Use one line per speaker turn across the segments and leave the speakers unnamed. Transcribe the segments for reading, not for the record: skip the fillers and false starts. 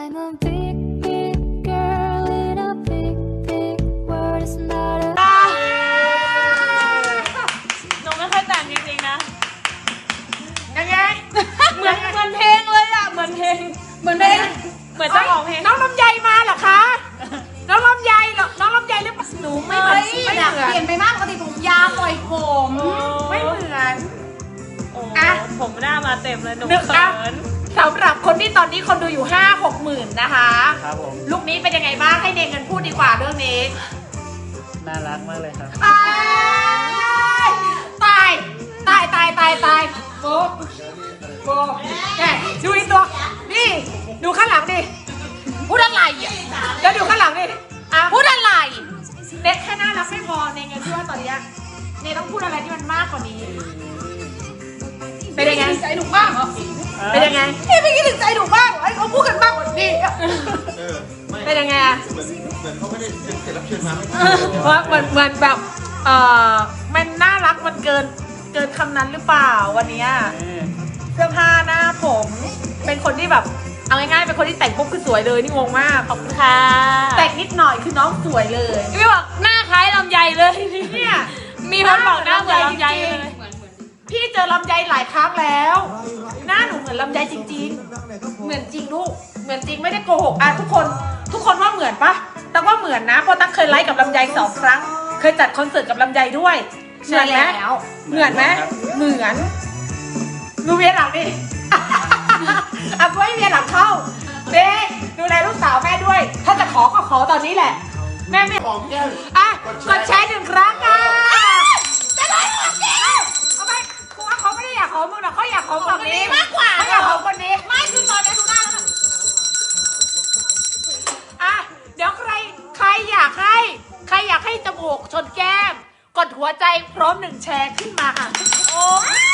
I'm a big, big girl in a big, big world. It's not a
หนูไม่เคยแต่งจริงๆนะ
ยังไง
เหมือนเพลงเลยอ่ะ เหมือนเพลง เหมือนเจ้าของเพลง
น้องลำไยมาเหรอคะ น้องลำไยเหรอน้องลำไยหรือเปล่าหนูไม่เหมือนไม่
อยาก
เหมือน
เปลี่ยนไปมากปกติผมยาวปล่อยผม
ไม่เหมือน
โอ้
อ่ะ
ผมหน้ามาเต็มเลยหนู
นึก
เขิ
อ่ะ
น
สำหรับคนที่ตอนนี้คนดูอยู่ 5-6 หมื่นนะคะ
ครับผม
ลูกนี้เป็นยังไงบ้างให้เนเงินพูดดีกว่าเรื่องนี้
น่ารักมากเลยครับ
ตายตายตายตายตายตายโบโบแกดูอีกตัวนี่ดูข้างหลังดิพูดอะไรอ่ะแล้วดูข้างหลังดิพูดอะไรเน็ตแค่น่ารักไม่พอในเงินที่ว่าตอนเนี้ยเนต้องพูดอะไรที่มันมากกว่านี้เป็นยังไง
ใจหนูบ้างเหรอ
เป็นยังไง
พี่ไม่คิดถึงใจหนูบ้างเหรอไอ้เขาพูดกันมากกว่านี้
เป็นยังไงอะ
เหมือนเขาไม่ได้เป็นแขกรับเชิญมาไม่
เพราะเหมือนแบบมันน่ารักมันเกินคำนั้นหรือเปล่าวันเนี้ยเสื้อผ้าหน้าผมเป็นคนที่แบบเอาง่ายๆเป็นคนที่แต่งปุ๊บคือสวยเลยนี่งงมาก
ขอบคุณค่ะ
แต่งนิดหน่อยคือน้องสวยเลย
พี่บอกหน้าคล้ายลำไยเลย
เนี่ย
มีคนบอกหน้าเหมือนลำไยเลย
พี่เจอลำไยหลายครั้งแล้ว หน้าหนูเหมือนลำไยจริงๆ เหมือนจริงลูกเหมือนจริงไม่ได้โกหกทุกคนว่าเหมือนปะแต่ว่าเหมือนนะเพราะตั้งเคยไลฟ์กับลำไย2 ครั้ง เคยจัดคอนเสิร์ตกับลำไยด้วยเหมือนไหมเหมือนไหมเหมือนดูเวียนหลังดิอ่ะก็ให้เวียนหลังเข้าเบ๊ดูแลลูกสาวแม่ด้วย ถ้าจะขอก็ขอตอนนี้แหละ แม่ไม่
หอมแก้ม
อ่ะกดแชร์1 ครั้งค่ะจะได้หมดแล้วเอาไปคือว่าเขาไม่ได้อยากขอมึงหรอกเขาอยากขอฝั่งนี้มากกว่าเขาอยากขอคนนี้ไม่คือตอนนี้ดูหน้าแล้วอ่ะเดี๋ยวใครอยากให้จมูกชนแก้ม กดหัวใจพร้อม1 แชร์ขึ้นมาค่ะโอ้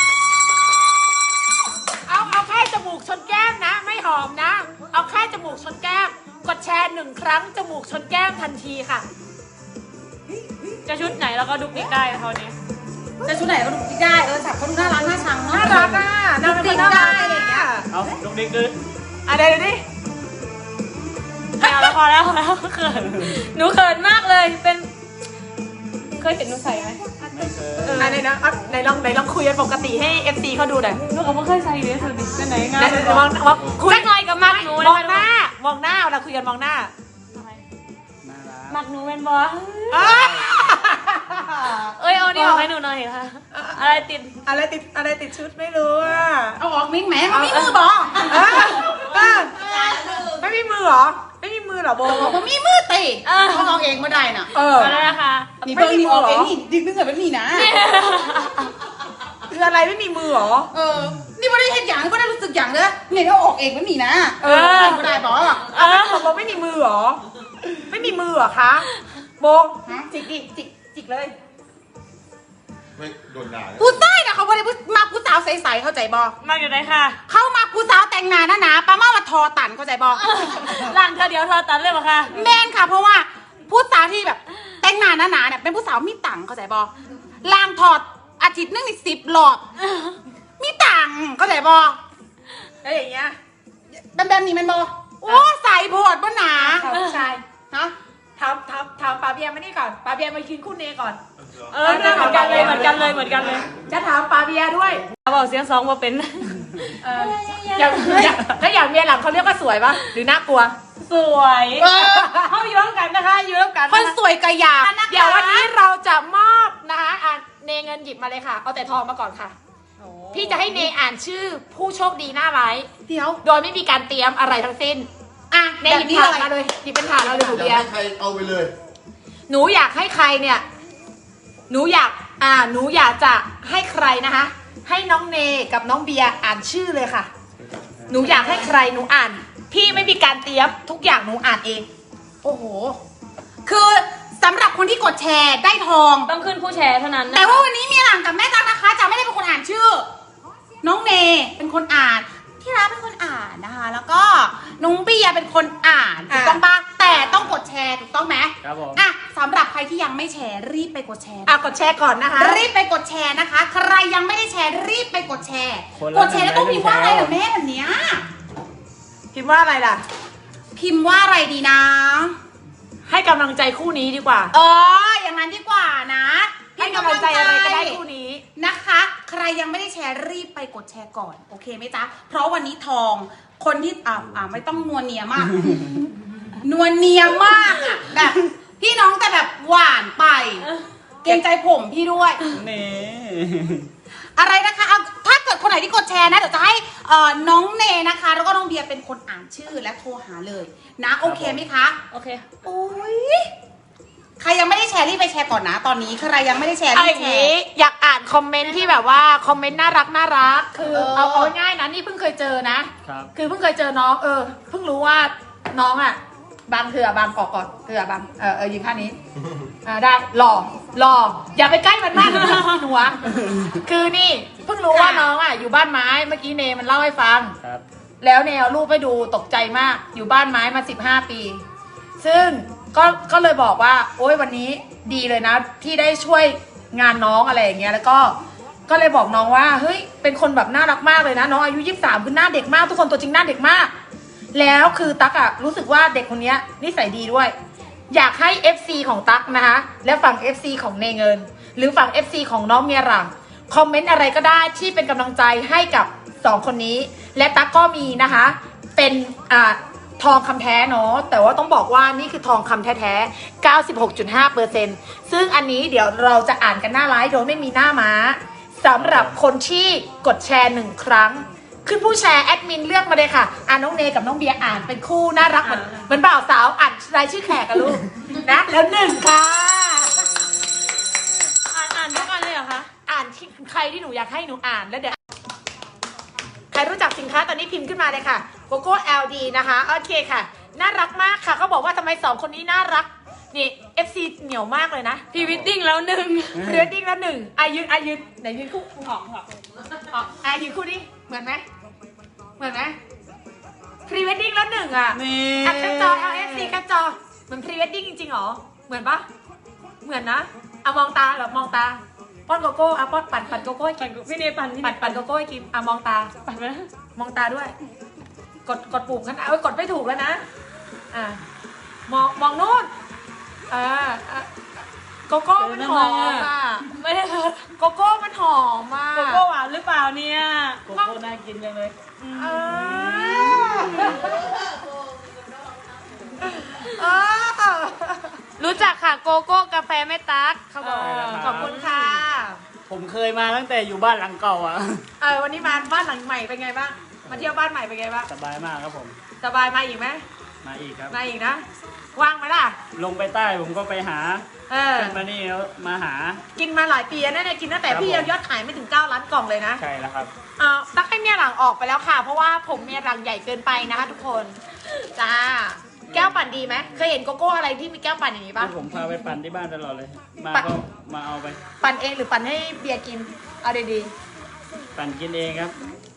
เอาแค่จมูกชนแก้มนะ ไม่หอมนะ เอาแค่จมูกชนแก้ม กดแชร์1 ครั้งจมูกชนแก้มทันทีค่ะ
จะชุดไหนแล้วก็ดุกดิกได้นะเขาเนี้ย
แต่ชุดไหนก็ดูได้สับเขาดูน่ารักน่าชังเนาะ
น่ารักอ่ะน่ารักได้อะไรอย่างเงี้ย
เอาลูกนี้คือ
เดี๋ยวดิ
ไม่เอาแล้วพอแล้วเขินหนูเขินมากเลยเป็นเคยเห็นหนูใส่ไหม
ไม่เคย
ไหนนะไหนลองคุยกันปกติให้ FC เขาดูหน่อย
หนูก็ไม่เคยใส่เลยสุดดิเป็นไหนงา
ไหน
ม
มองคุย
จักหน่อยกับมักหนู
มองหน้าเราคุยกันมองหน้า
น่ารัก
มักหนูเป็นบอ
อ่ะ
เอ้ยเอานี่ออกให้หนูหน่อยค่ะอะไรติด
อะไรติดชุดไม่รู้อ่ะ
เอาออกมิ้งแหมมันมีมือบอก
ไม่มีมือเหรอไม่มีมือเหรอโบ
มันมีมือตีเขาออกเองมาได้น่ะ
ก็ได้นะคะ
นี่เพิ่งนี่ออกเองนี่ดึงเกิดแบบนี้นะ
คืออะไรไม่มีมือเหรอ
นี่ไม่ได้เห็นอย่างก็ได้รู้สึกอย่างเลยเนี่ยเขาออกเองแบบนี้นะไม่ได้บอก
บอกโบไม่มีมือเหรอไม่มีมือเหรอคะโบจิกดิจิกเลย
ไม่โดนด่าเลย
ผู้ใต้น่ะเขาไม่ได้มาผู้สาวใสๆเข้าใจบอ
มาอยู่ไหนค่ะ
เข้ามาผู้สาวแต่งหน้าหนาๆป้าเมาว่าทอตันเข้าใจบอ
หลังเธอเดี๋ยวเธอตัดเลยปะคะ
แมนค่ะเพราะว่าผู้สาวที่แบบแต่งหน้าหนาๆเนี่ยเป็นผู้สาวมีตังค์เข้าใจบอล่างถอดอาทิตย์นึงนี่10 รอบมีตังค์เข้าใจบอ
แล้วอย่างเงี้ย
แบบนี้มันบอโอ้ใส่โพดบ่หนา
ถามผู้ชาย
ฮะ
ถามปาเบียมานี่ก่อนปาเบียมายืนคู่เนก่อน
เหมือนกันเลยเหมือนกันเลย
จะถามปาเบียด้วย
บอกเสียงสองมาเป็น
อย่างเมียหลังเขาเรียกว่าสวยปะหรือน่ากลัว
สวยเขาอยู่ร่วมกันนะคะอยู่ร่วมกัน
คนสวยกะยา
เดี๋ยววันนี้เราจะมอบนะคะเนเงินหยิบมาเลยค่ะ เอาแต่ทองมาก่อนค่ะ พี่จะให้เนอ่านชื่อผู้โชคดีหน้าไลฟ์
เดี๋ยว
โดยไม่มีการเตรียมอะไรทั้งสิ้น เนหยิบถาดมาเลยหยิบเป็นถาดเราเลยหนู
อ
เบีย
ยาก
ร์
ให้ใครเอาไปเลย
หนูอยากให้ใครเนี่ยหนูอยากจะให้ใครนะคะ ให้น้องเนกับน้องเบียร์อ่านชื่อเลยค่ะ หนูอยากให้ใครหนูอ่าน พี่ไม่มีการเตรียมทุกอย่างหนูอ่านเอง
โอ้โห คือสำหรับคนที่กดแชร์ได้ทอง
ต้องขึ้นผู้แชร์เท่านั้นนะ
แต่ว่าวันนี้มีหลังกับแม่ตั๊กนะคะจะไม่ได้เป็นคนอ่านชื่อ น้องเนเป็นคนอ่าน ที่รักเป็นคนอ่านนะคะ แล้วก็น้องเบียร์เป็นคนอ่านถูกต้องปะแต่ต้องกดแชร์ถูกต้องไหม
ครับผม
สำหรับใครที่ยังไม่แชร์รีบไปกดแชร์
กดแชร์ก่อนนะคะ
รีบไปกดแชร์นะคะ ใครยังไม่ได้แชร์รีบไปกดแชร์
คนละ
กดแชร์แล้วต้อง
100
มีว่าอะไรเหรอแม่แบบเนี้ย
พิมพ์ว่าอะไรล่ะ
พิมพ์ว่าอะไรดีนะ
ให้กำลังใจคู่นี้ดีกว่า
อย่างนั้นดีกว่านะ
ให้กำลังใจอะไรก็ได้คู่นี้
นะคะ ใครยังไม่ได้แชร์รีบไปกดแชร์ก่อน โอเคไหมจ๊ะ เพราะวันนี้ทองคนที่ไม่ต้องนวลเนียมาก นวลเนียมากอะแบบพี่น้องแต่แบบหวานไป เกรงใจผมพี่ด้วย
นี่
อะไรนะคะเอาถ้าเกิดคนไหนที่กดแชร์นะเดี๋ยวจะให้น้องเนนะคะ แล้วก็น้องเบียร์เป็นคนอ่านชื่อและโทรหาเลยนะโอเคไหมคะ
โอเค
โอ้ยใครยังไม่ได้แชร์รีบไปแชร์ก่อนนะ ตอนนี้ใครยังไม่ได้แชร์
เอา
รี
อบ ย่าง
แช
นี้
ร์
อยากอ่านคอมเมนต์ที่แบบว่าคอมเมนต์น่ารักคือ
เออ
เอาง่ายๆนะนี่เพิ่งเคยเจอนะ
ครับ
คือเพิ่งเคยเจอน้องเพิ่งรู้ว่าน้องอ่ะบางเถื่อบางกอกก่อนเถื่อบางยืนข้างนี้ได้หล่ออย่าไปใกล้มันมากนะหนูวะคือนี่เพิ่งรู้ว่าน้องอ่ะอยู่บ้านไม้เมื่อกี้เนมันเล่าให้ฟัง
ครับ
แล้วแนวรูปไปดูตกใจมากอยู่บ้านไม้มา15 ปี ซึ่งก็เลยบอกว่าโอ๊ยวันนี้ดีเลยนะ ที่ได้ช่วยงานน้องอะไรอย่างเงี้ยแล้วก็เลยบอกน้องว่าเฮ้ยเป็นคนแบบน่ารักมากเลยนะน้องอายุ23คือหน้าเด็กมากทุกคนตัวจริงหน้าเด็กมาก แล้วคือตั๊กอะรู้สึกว่าเด็กคนนี้นิสัยดีด้วย อยากให้ FC ของตั๊กนะคะและฝั่ง FC ของเนเงิน หรือฝั่ง FC ของน้องเมียหลังคอมเมนต์อะไรก็ได้ที่เป็นกำลังใจให้กับ2คนนี้ และตั๊กก็มีนะคะเป็นทองคำแท้เนาะแต่ว่าต้องบอกว่านี่คือทองคำแท้ๆ 96.5% ซึ่งอันนี้เดี๋ยวเราจะอ่านกันหน้าไลฟ์โดยไม่มีหน้าม้าสำหรับคนที่กดแชร์1ครั้งขึ้นผู้แชร์แอดมินเลือกมาเลยค่ะน้องเนกับน้องเบียร์อ่านเป็นคู่น่ารักเหมือนบ่าวสาวอ่านรายชื่อแขกกันลูก นะแล้ว1ค่ะ
อ่านทุกอันเลยเหรอคะ
อ่านที่ใครที่หนูอยากให้หนูอ่านแล้วเดี๋ยวใครรู้จักสินค้าตอนนี้พิมพ์ขึ้นมาเลยค่ะโกโก้ LD นะคะโอเคค่ะน่ารักมากค่ะเขาบอกว่าทำไม2คนนี้น่ารักนี่ FC เหนียวมากเลยนะ
พรีวิดดิ้งแล้วหนึ่ง
เรือดิ้งละ1อายืนไหนยืนคู่ออกยืนคู่ดิเหมือนไหมพรีเวดดิ้งแล้ว1อ่ะ
นี่
อัดกระจอ LFC กระจอเหมือนพรีเวดดิ้งจริงๆหรอเหมือนปะเหมือนนะมองตาแบบมองตาป้อนโกโก้ป้อนปั่นโกโก้ให้กิน
พี่เนยปั่นพี่เนย
ปั่นโกโก้ให้กินมองตา
ปั่นไปแล้ว
มองตาด้วย กดปุ่มกันกดไม่ถูกแล้วนะมองโน่นโกโก้มันหอมอ่ะ
ไม่ได้ค่ะ
โกโก้มันหอมอ่ะ
โกโก้หวานหรือเปล่าเนี่ย
โกโก้น่ากินจังเลย
รู้จักค่ะโกโก้กาแฟแม่ตั๊กเขาบอก
ขอบคุณค่ะ
ผมเคยมาตั้งแต่อยู่บ้านหลังเก่าอ่ะ
วันนี้มาบ้านหลังใหม่เป็นไงบ้างมาเที่ยวบ้านใหม่เป็นไงบ้าง
สบายมากครับผม
สบายมาอีกไหม
มาอีกครับ
มาอีกนะว่างไหมล่ะ
ลงไปใต้ผมก็ไปหา ขึ้นมานี่แล้วมาหา
กินมาหลายปีแล้วเนี่ยกินตั้งแต่
ครับ
พี่
ผม
ยอดขายไม่ถึง9 ล้านกล่องเลยนะ
ใช่แล้วครับ
ตักให้เมียหลังออกไปแล้วค่ะ เพราะว่าผมเมียหลังใหญ่เกินไปนะคะทุกคนจ้าแก้วปั่นดีไหมเคยเห็นโกโก้อะไรที่มีแก้วปั่นอย่างนี้ปะ
ผมพาไปปั่นที่บ้านตลอดเลย มา
ปั่น
ก็มาเอาไป
ปั่นเองหรือปั่นให้เบียร์กินเอาดี
ปั่นกินเองครับ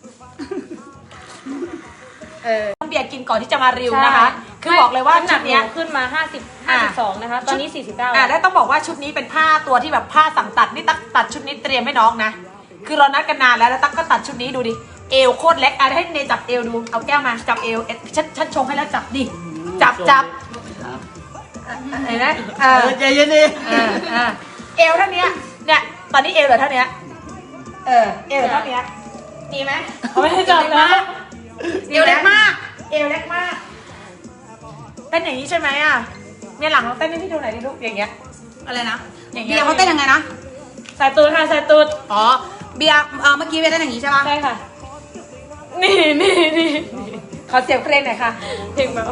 ๆต้องเบียร์กินก่อนที่จะมาริวนะคะ คือบอกเลยว่า
น้ำห
ชุ
นั
ด
ก
เนี้ย
ขึ้นมา52นะคะ ตอนนี้49
แล้วต้องบอกว่าชุดนี้เป็นผ้าตัวที่แบบผ้าสั่งตัดนี่ตัดชุดนี้เตรียมให้น้องนะ คือเรานัดกันนานแล้วตั๊กก็ตัดชุดนี้ดูดิเอวโคตรเล็กให้เนจับเอวดูเอาแก้วมาจับเอวฉันชงให้แล้วจับดิจับ
ครับ
เห็นไหม
ใจเย็นดิ
เอวเท่านี้เนี่ยตอนนี้เอวเหลือเท่านี้เอวเหลือเท่านี้ดีไหม
เขาไม่ได้จับนะ
เอวเล็กมากเอวเล็กมากเป็นอย่างนี้ใช่ไหมอ่ะเนี่ยหลังเราเต้นให้พี่ดูหน่อยดิลูกอย่างเงี้ย
อะไรนะ
อย่างเงี้ย
เบียร์เขาเต้นยังไงนะ
สายตูดค่ะสายตูด
อ๋อเบียร์เมื่อกี้เบียร์เต้นอย่างนี้ใช่ปะ
ใช่ค่ะ นี่
ขอเสียงเพลงหน่อยค่ะ
เพลงแบบ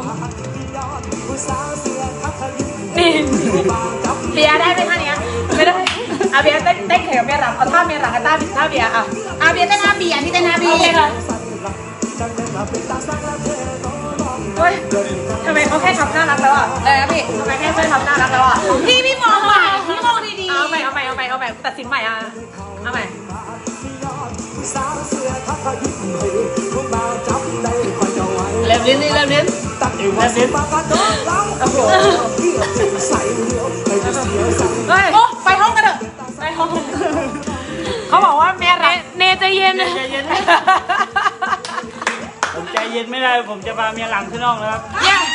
นี่
เบียร์ได้ไหมท่านี้ไม่ได้เอาเบียร์เต้นแข่งกับเบียร์หลังเอาท่าเบียร์หลังกับท่าเบียร์อ่ะ
เบียร์เต้นหน้าเบียร์ที่เต้นหน้าเบีย
โอเค
ร์
ค่ะ
เฮ้ยทำไมเขาแค่ทำน่ารักแล้วอ่ะ
พี่
ทำไมแค่ทำน่ารักแล้วอ่ะ
พี่มองใหม่พี่มองดี
เอาใหม่ตัดสินใหม่อ่ะเอาใหม่
เล็บลิ้นนี่เล็บลิ้นเล็บลิ้น
โอ้โหเฮ้ย
ๆโอ้ไปห้องกันเถอะ
ไปห้อง
เขาบอกว่าเมียรัก
เนใจเย็น
ใจเย็น ผมใจเย็นไม่ได้ ผมจะพาเมียหลังขึ้นห้องแล้วครับ
เนี่ย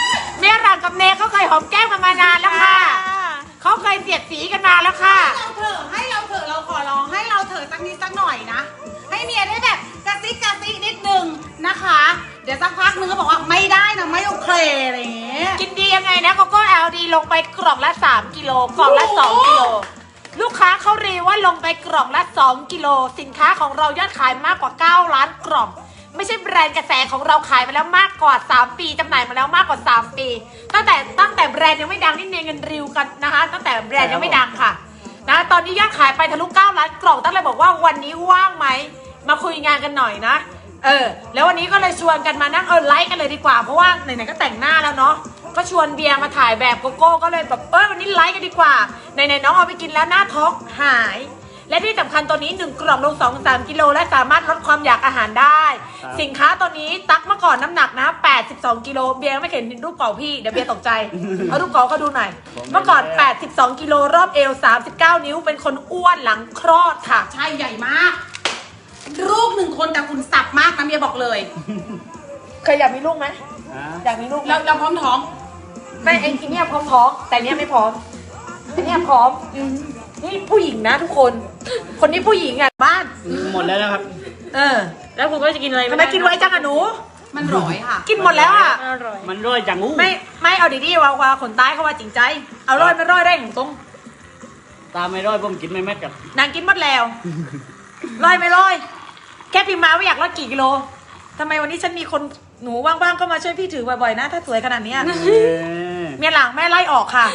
เมียหลังกับเนเขาเคยหอมแก้มกันมานานแล้วค่ะเขาเคยเสียดสีกันมาแล้วค่ะ
ให้เราเถอะเราขอร้องให้เราเถอะสักนิดสักหน่อยนะ ให้เมียได้แบบกระซิกนิดนึงนะคะ เดี๋ยวสักพักนึงก็บอกว่าไม่ได้นะไม่โอเคอะไรอย่างเงี้ย
กินดียังไงนะโกโก้ LD ลงไปกล่องละ3กิโลกล่องละ2กิโลลูกค้าเขารีว่าลงไปกล่องละ2กิโลสินค้าของเรายอดขายมากกว่า9ล้านกล่องไม่ใช่แบรนด์กระแสของเราขายมาแล้วมากกว่า3ปีจำหน่ายมาแล้วมากกว่า3ปีตั้งแต่แบรนด์ยังไม่ดังนี่เนเงินริวกันนะคะตั้งแต่แบรนด์ยังไม่ดังค่ะนะตอนนี้ยอดขายไปทะลุ9ล้านกล่องตั้งเลยบอกว่าวันนี้ว่างไหมมาคุยงานกันหน่อยนะแล้ววันนี้ก็เลยชวนกันมานั่งไลฟ์กันเลยดีกว่าเพราะว่าไหนๆก็แต่งหน้าแล้วเนาะก็ชวนเบียร์มาถ่ายแบบโกโก้ก็เลยแบบวันนี้ไลฟ์กันดีกว่าไหนๆน้องเอาไปกินแล้วหน้าท้องหายและที่สำคัญตัวนี้1กล่องลง 2-3 กิโลและสามารถลดความอยากอาหารได้ สินค้าตัวนี้ตักเมื่อก่อนน้ำหนักนะ82กิโลเบียร์ไม่เห็นรูปเก่าพี่เดี๋ยวเบียร์ตกใจเอารูปเก่าเขาดูหน่อยเมื่อก่อน82กิโลรอบเอว39นิ้วเป็นคนอ้วนหลังคลอดค่ะ
ใช่ใหญ่มาก ลูก1คนแต่คุณสับมากนะเมียบอกเลย
เคยอยากมีลูกไหมอยากมีลูกไหม
เราพร้อมท้อง
ไม่ไอ้ที่เนี่ยพร้อมท้องแต่เนี้ยไม่พร้อมอันเนี้ยพร้อมนี่ผู้หญิงนะทุกคนคนนี้ผู้หญิงอ่ะบ้าน
หมดแล้วนะครับ
แล้วคุณก็จะกินอะไร
ทำไมกินไว้จังอะหนู
มันร้อยค่ะ
กินหมดแล้วอ่ะ
อร่อย
มันร่อยจังงู
ไม่เอาดีๆว่าคนตายเขาว่าจริงใจเอาร้อยไม่ร้อยได้ของตรง
ตามไม่ร่อยผมกินไม่แม็ดกับ
นางกินหมดแล้วร้อยไม่ร้อยแค่พิมพ์มาว่าอยากลดกี่กิโลทำไมวันนี้ฉันมีคนหนูว่างๆก็มาช่วยพี่ถือบ่อยๆนะถ้าสวยขนาดเนี้ยเมียหลังแม่ไล่ออกค่ะ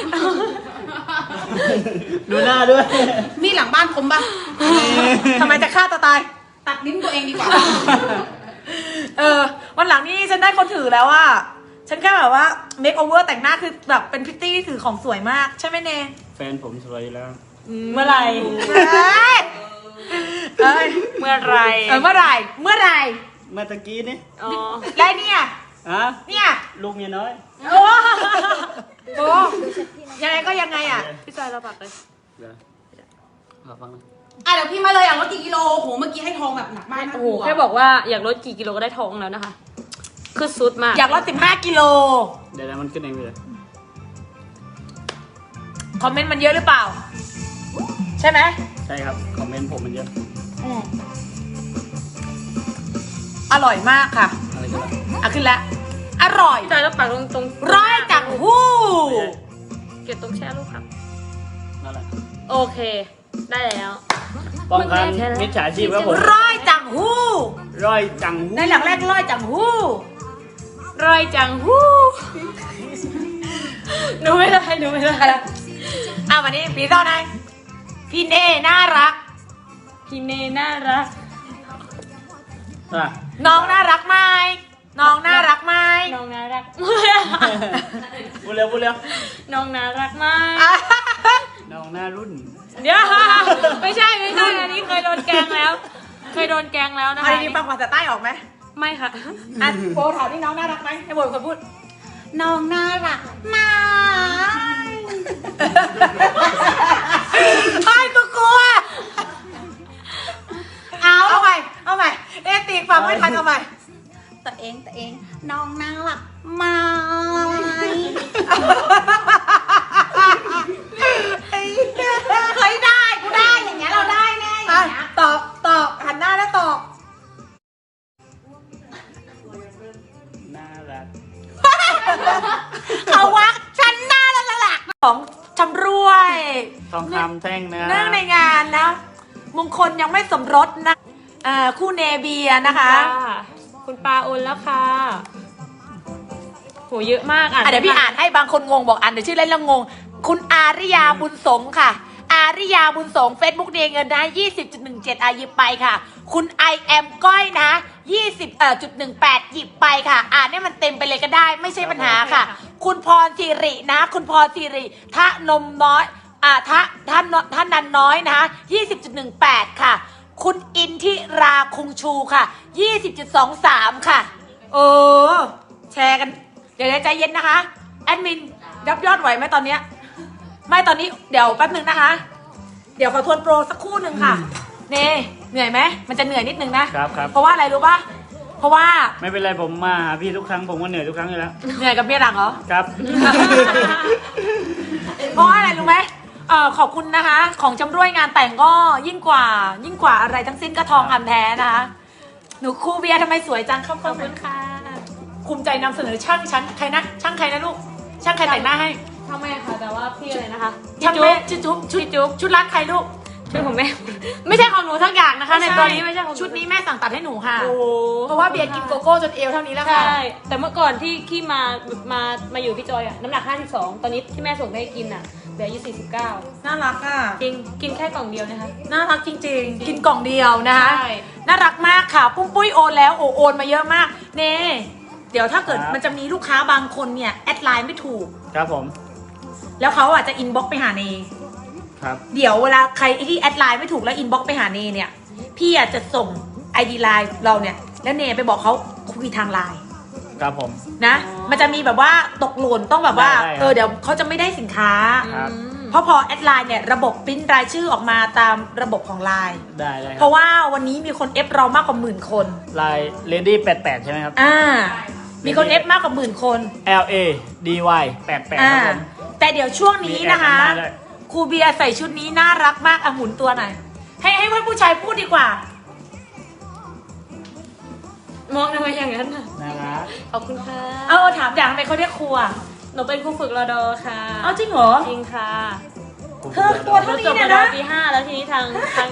ดูหน้าด้วย
มีหลังบ้านคมปะ
ทำไมจะฆ่าตัวตาย
ตัดนิ้นตัวเองดีกว่า
วันหลังนี่ฉันได้คนถือแล้วอะฉันแค่แบบว่าเมคโอเวอร์แต่งหน้าคือแบบเป็นพริตตี้ที่ถือของสวยมากใช่ไหมเน
แฟนผมสวยอยู่แล้ว
เมื่อไหร่
เอ้ย
เมื่อไหร่
เมื่อไหร่เมื่อไหร่
เมื่อตะกี้นี่
อ๋อ
แล้วเนี่ย
อ่ะ
เนี่ย
ลูกเมียน้อย
โอ้โหยังไงก็ยังไงอะ
พี่จอยเราปักเลย
เดี๋ยวขอฟังหน่อย
เดี๋ยวพี่มาเลยลดกี่กิโลโหเมื่อกี้ให้ทองแบบหนักมากนะ
โอ้โหแค่บอกว่าอยากลดกี่กิโลก็ได้ท้องแล้วนะคะคือสุดมาก
อยากลด15กิโล
เดี๋ยวมันขึ้นเองเลย
คอมเมนต์มันเยอะหรือเปล่า ใช่ไหม
ใช่ครับคอมเมนต์ผมมันเยอะ
อร่อยมากค่ะ
อะไรกันล่ะ
ขึ้นแล้วอร่อย
พี่จอยเราปักตรง
ร้อยจังหู้
เก็บตรงแช่ลูกครับ
นั่นแหละ
โอเค ได้แล้ว
ป้องกันมิจฉาชีพครับผม
ร้อยจังหู้
ร่อยจังงู
ในหลังแรกร้อยจังหู้
ร่อยจังฮู้หนูไม่ได้
วันนี้พี่ต้อนไหนพี่เน่น่ารัก
พี่เนน่ารัก
อ่ะ
น้องน่ารักไหมน้องน่ารักไหม
น้องน่ารัก
พูดเร็วพูดเร็ว
น้องน่ารักมาก
น้องหน้ารุ่น
เดี๋ยวไม่ใช่อันนี้เคยโดนแกล้งแล้วนะ
เอา
คะ
ดีๆฟังภาษาใต้ออกไหม
ไม่ค่ะ
โบถามนี่น้องน่ารักไหมให้โบเป็นคนพูด
น้องน่ารักมาก
ไอ้กูกลัวเอาใหม่ตีฟังไม่ทันเอาใหม่
ตัวเองน้องน่ารักมาก เคยได้กูได้อย่างเงี้ยเราได้แน่อย่างเงี้ย
ตอบหันหน้าแล้วตอบ
น่ารัก
เขาวักฉันหน้าแล้วล่ะของชำรวย
ทองคำแท่งนะ
เนื่องในงานนะมงคลยังไม่สมรสนะคู่เนเบียนะคะ
คุณปาโอนแล้วค่ะโหเยอะมากอ่ะ
เดี๋ยวพี่อ่านให้บางคนงงบอกอ่านเดี๋ยวชื่อเล่นแล้วงง คุณอาริยาบุญสงค่ะ อาริยาบุญสง Facebook เงินนะ 20.17 หยิบไปค่ะ คุณ I am ก้อยนะ 20.18 หยิบไปค่ะอ่านให้มันเต็มไปเลยก็ได้ไม่ใช่ปัญหาค่ะ คุณพรสิรินะ คุณพรสิริทะนมน้อยท่านนันน้อยนะ 20.18 ค่ะ คุณอินทิราคุงชูค่ะ 20.23 ค่ะแชร์กันเดี๋ยวใจเย็นนะคะแอดมินรับยอดไหวไหมตอนเนี้ยไม่ตอนนี้เดี๋ยวแป๊บหนึ่งนะคะ เดี๋ยวขอทวนโปรสักครู่หนึ่งค่ะเน่เหนื่อยไหมมันจะเหนื่อยนิดนึงนะครับ เพราะว่าอะไรรู้ป่ะเพราะว่า
ไม่เป็นไรผมมาหาพี่ทุกครั้งผมก็เหนื่อยทุกครั้งอยู่แล้ว
เหนื่อยกับเมียหลังเหรอ
ครับ
เพราะอะไรรู้ไหมขอบคุณนะคะ ของจำรวยงานแต่งก็ยิ่งกว่าอะไรทั้งสิ้นก็ทองคำแท้นะคะ หนูครูเบียร์ทำไมสวยจังขอบคุณค่ะ ภูมิใจนำเสนอช่างฉันใครนะช่างใครนะลูก ช่างใครแต่งหน้าให้
ทำไมค่ะแต่ว่าพี่อะไรนะคะ
ช่างแม่ชุดชุดร้านใครลูก
ชุดของแม่ ไม่ใช่ของหนูทั้งอย่างนะคะ ในตัวนี้ไม่ใช่ของห
ชุดนี้แม่สั่งตัดให้หนูค่ะ
โอ้โห
เพราะว่าเบียร์กินโกโก้จนเอวเท่านี้แล้วค่ะ
ใช่แต่เมื่อก่อนที่มาอยู่พี่จอยอะน้ำหนัก 52 ตอนนี้ที่แม่ส่งไปให้กินอะเหลืออายุ49
น่ารักอ่ะ
จริงกินแค่กล่องเดียวนะคะ
น่ารักจริงๆ กินกล่องเดียวนะคะ
ใช่
น่ารักมากค่ะ ปุ้มปุ้ยโอนแล้วโอนมาเยอะมาก เน่เดี๋ยวถ้าเกิด
ครับ
มันจะมีลูกค้าบางคนเนี่ยแอดไลน์ไม่ถูก
ครับผม
แล้วเขาอาจจะอินบ็อกไปหาเน
ครับ
เดี๋ยวเวลาใครที่แอดไลน์ไม่ถูกแล้วอินบ็อกไปหาเนเนี่ยพี่อาจจะส่ง ID ไลน์เราเนี่ยแล้วเนไปบอกเขาคุยทางไลน์
ครับผม
นะ มันจะมีแบบว่าตกหล่นต้องแบบว่า
ได้ครับ
เดี๋ยวเขาจะไม่ได้สินค้า
ครับ
เพราะพอแอดไลน์เนี่ยระบบปริ้นรายชื่อออกมาตามระบบของไลน์
ได้ค
เพ
รับ
ราะว่าวันนี้มีคนเอฟเรามากกว่า10,000 คน
ลาย Lady 88 ใช่ไหมครับ
มีคนเอฟมากกว่า10,000 คน
LA DY 88ครับผม
แต่เดี๋ยวช่วงนี้นะคะ
มีแอดนำหน้าด้วย
ครูเบียร์ใส่ชุดนี้น่ารักมากหมุนตัวหน่อยให้เพื่อนผู้ชายพูดดีกว่า
มองทำไมอย่างนั้นน่ะ
น่ารัก
ขอบคุณค่ะ
ถามอย่างทำไมเขาเรียกครูอ่ะ
หนูเป็นครูฝึกรอดอค่ะ
เอาจริงเหรอ
จริงค่ะ
เธอตัว
หนู
เท่า
จ
นี้
บ
เนี่ย
รอ
นะ
ปี 5 แล้วทีนี้ทาง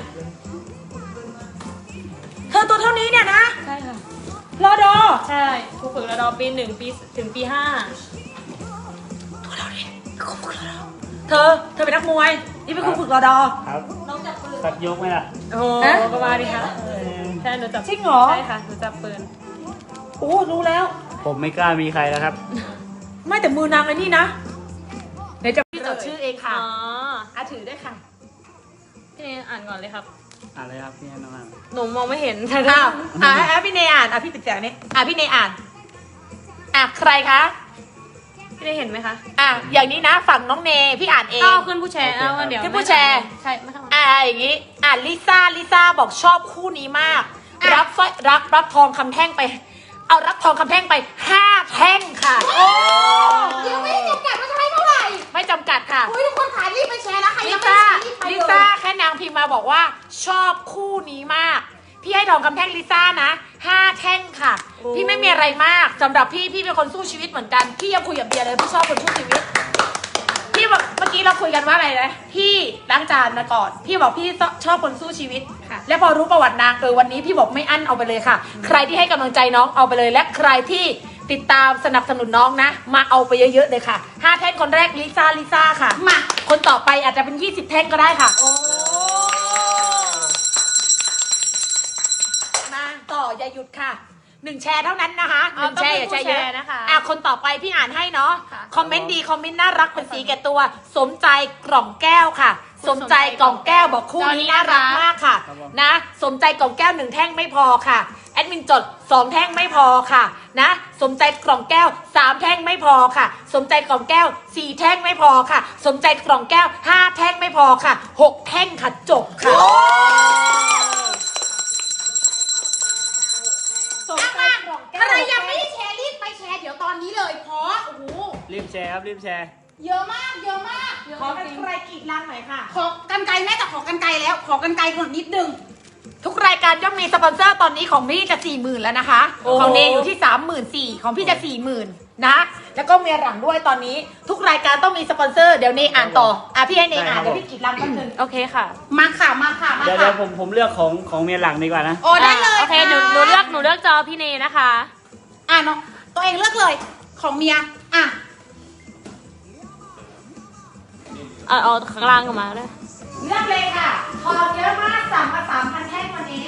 เธอตัวเท่านี้เนี่ยนะ
ใช่ค่ะ
รอดอ
ใช่ครูฝึกรอดอปี 1 ปีถึงปี 5
ตัวเราเนี่ยครูฝึกรอดอเธอเป็นนักมวยนี่เป็นครูฝึกรอดอ
ครับตัดยกไหมล่ะ
โอ้โห
ฮะ
ก็มาดิคะใช่หนูจับ
จริงเหรอ
ใช่ค่ะหนูจับปืน
โอ้รู้แล้ว
ผมไม่กล้ามีใครแล้วครับ
ไม่แต่มือนางเลยนี่นะเดี๋ยวจะพี่จดชื่อเองค่ะ
อ๋อ
ถือได้ค่ะ
พี่เนยอ่านก่อนเลยครับ
อะไรครับพี่น้องอ่ะ
หนูมองไม่เห็น
อ้าวพี่เนยอ่านพี่ปิดเสียงนี้พี่เนยอ่านใครคะ
พี่เนยเห็นไหมคะ
อย่างนี้นะฝั่งน้องเนยพี่อ่านเอง
อ้าวขึ้นผู้แชร์เอาเดี๋ยว
ขึ้นผู้แชร์
ใช่ไม่ทำ
อย่างนี้ลิซ่าบอกชอบคู่นี้มาก รับสร้อยรับทองคำแท่งไป เอารับทองคำแท่งไป5 แท่งค่ะโอ้
เดี๋ยวไม่ได้จำกัดว่าจะให้เท่าไหร่
ไม่จำกัดค่ะ
อุ้ยทุกคนขายรีบไปแชร์นะใคร
ลิ
ยังไม่
ซ่า
แชร์รีบไป
ลิ
เลย
ซ่าแค่นางพิมพ์มาบอกว่าชอบคู่นี้มาก พี่ให้ทองคำแท่งลิซ่านะ5 แท่งค่ะ พี่ไม่มีอะไรมากสำหรับพี่เป็นคนสู้ชีวิตเหมือนกันพี่ยังคุยกับเบียร์เลยพี่ชอบคนสู้ชีวิต พี่บอกเมื่อกี้เราคุยกันว่าอะไรนะพี่ล้างจานมาก่อนพี่บอกพี่ชอบคนสู้ชีวิต
ค่ะ
และพอรู้ประวัตินางวันนี้พี่บอกไม่อั้นเอาไปเลยค่ะ ใครที่ให้กำลังใจน้องเอาไปเลย และใครที่ติดตามสนับสนุนน้องนะ มาเอาไปเยอะๆเลยค่ะ5 แท่งคนแรกลิซ่าค่ะ
มา
คนต่อไปอาจจะเป็น20 แท่งก็ได้ค่ะโอ้มาต่ออย่าหยุดค่ะ1 แชร์เท่านั้นนะคะ1 แชร์อย่าแชร์เยอะ
นะคะ
คนต่อไปพี่อ่านให้เนาะ
ค่ะ
คอมเมนต์ดีคอมเมนต์น่ารักเป็นสีแก่ตัว สมใจกล่องแก้วค่ะ สมใจกล่องแก้วบอกคู่นี้น่ารักมากค่ะ
ครับผม
นะสมใจกล่องแก้ว1 แท่งไม่พอค่ะแอดมินจด2 แท่งไม่พอค่ะนะสมใจกล่องแก้ว3 แท่งไม่พอค่ะ สมใจกล่องแก้ว4 แท่งไม่พอค่ะ สมใจกล่องแก้ว5 แท่งไม่พอค่ะ6 แท่งค่ะจบค่ะสมใจกล่องแก้ว
ใครยังไม่ได้แชร์รีบไปแชร์เดี๋ยวตอนนี้เลยเพราะโอ้โห
รีบแชร์ครับรีบแชร์
เยอะมากเยอะมาก
ขอเป็นใครกรีดลังหน่อยค่ะ
ขอกันไกลแม่แต่ขอกันไกลแล้ว ขอกันไกลก่อนนิดนึง
ทุกรายการย่อมมีสปอนเซอร์ตอนนี้ของพี่จะ 40,000 แล้วนะคะ
โอ้โห
ของเนยอยู่ที่ 34,000ของพี่จะ 40,000 นะ แล้วก็เมียหลังด้วยตอนนี้ทุกรายการต้องมีสปอนเซอร์เดี๋ยวเนยอ่านต่อพี่ให้เนยอ่าน
ได้ครับ
เดี๋ยวพี่กรีดลังแป๊บนึง
โอเคค่ะ
มาค่ะมาค่ะมา
เดี๋ยว
ค่ะ
ผมเลือกของเมียหลังดีกว่านะ
โอ้ได้เลย
โอเคหนู
ค่ะ
เลือกจอพี่เนยนะคะ
น้องตัวเองเลือกเลยของเมียอ่ะ
เอาข้างล่างออกมาเลย
เลือกเลยค่ะทองเยอะมากสั่งมา 3,000 แท่งวันนี้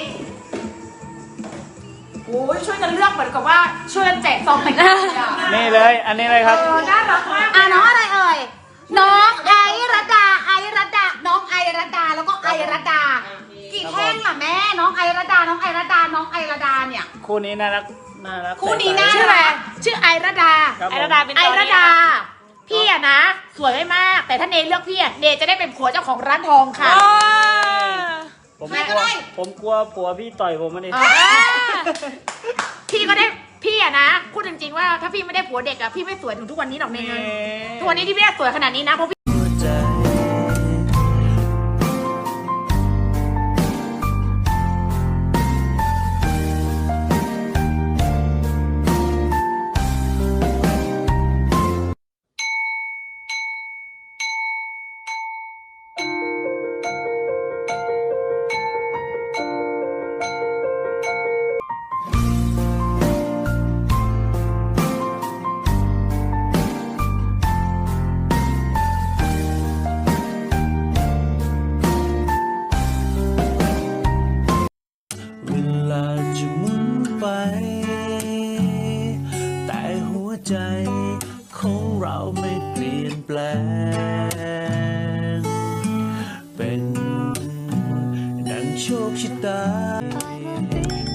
โอ้ยช่วยกันเลือกเหมือนกับว่าช่วยกันแจกซองแต่งงานเลยอะ
นี่เลยอันนี้เลยครับ
น่ารักมาก
น้องอะไรเอ่ยน้องไอรัตดาน้องไอรัตดาแล้วก็ไอรัตดากี่แท่งล่ะแม่น้องไอรัตดาน้องไอรัตดาน้องไอรัตดาเนี่ย
คู่นี้น่ารัก
คู่นี้น่า
ชื่ออะไรชื่อไอระดา
ครับผม
ไอระดาเป็น
ไอ
จอ
ระ
นี้
ดา
นะ
พี่อะนะ สวยไม่มาก แต่ถ้าเนยเลือกพี่อะเนยจะได้เป็นผัวเจ้าของร้านทองค่ะ
ผม
ใครก็ได้
ผมกลัวผัวพี่ต่อยผมมาดิ
พี่พี่ก็ได้พี่อะนะพูดจริงๆว่าถ้าพี่ไม่ได้ผัวเด็กอะพี่ไม่สวยถึงทุกวันนี้หรอกในเงินทุกวันนี้ที่พี่สวยขนาดนี้นะเพราะพี่
เวลาจะหมุนไป แต่หัวใจของเราไม่เปลี่ยนแปลง เป็นดังโชคชะตา